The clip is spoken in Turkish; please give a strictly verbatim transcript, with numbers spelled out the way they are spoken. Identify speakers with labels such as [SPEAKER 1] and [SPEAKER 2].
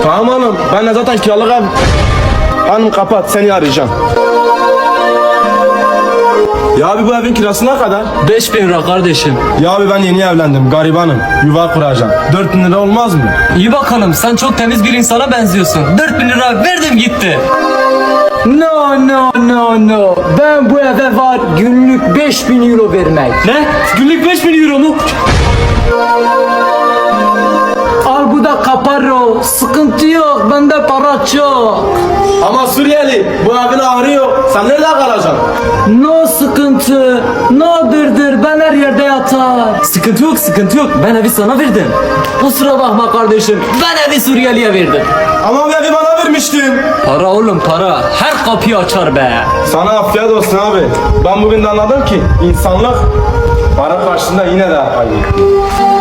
[SPEAKER 1] Tamam oğlum, ben de zaten kiralık ev. Hanım kapat, seni arayacağım. Ya abi bu evin kirası ne kadar?
[SPEAKER 2] Beş bin lira kardeşim.
[SPEAKER 1] Ya abi ben yeni evlendim, garibanım. Yuva kuracağım. Dört bin lira olmaz mı?
[SPEAKER 2] İyi bakalım, sen çok temiz bir insana benziyorsun. Dört bin lira verdim gitti.
[SPEAKER 3] No no no no. Ben bu eve var günlük beş bin euro vermek.
[SPEAKER 2] Ne? Günlük beş bin euro mu?
[SPEAKER 3] Al bu da kaparo. Sıkıntı yok. Bende para çok.
[SPEAKER 1] Ama Suriyeli, bu evin ahırı yok. Sen nerede kalacaksın?
[SPEAKER 3] No sıkıntı. No dırdır. Ben her yerde yatar.
[SPEAKER 2] Sıkıntı yok, sıkıntı yok. Ben evi sana verdim. Kusura bakma kardeşim. Ben evi Suriyeli'ye verdim.
[SPEAKER 1] Ama bu evi bana vermiştin.
[SPEAKER 2] Para oğlum para. Her kapıyı açar be.
[SPEAKER 1] Sana afiyet olsun abi. Ben bugün de anladım ki insanlık para karşısında yine de kaybettim.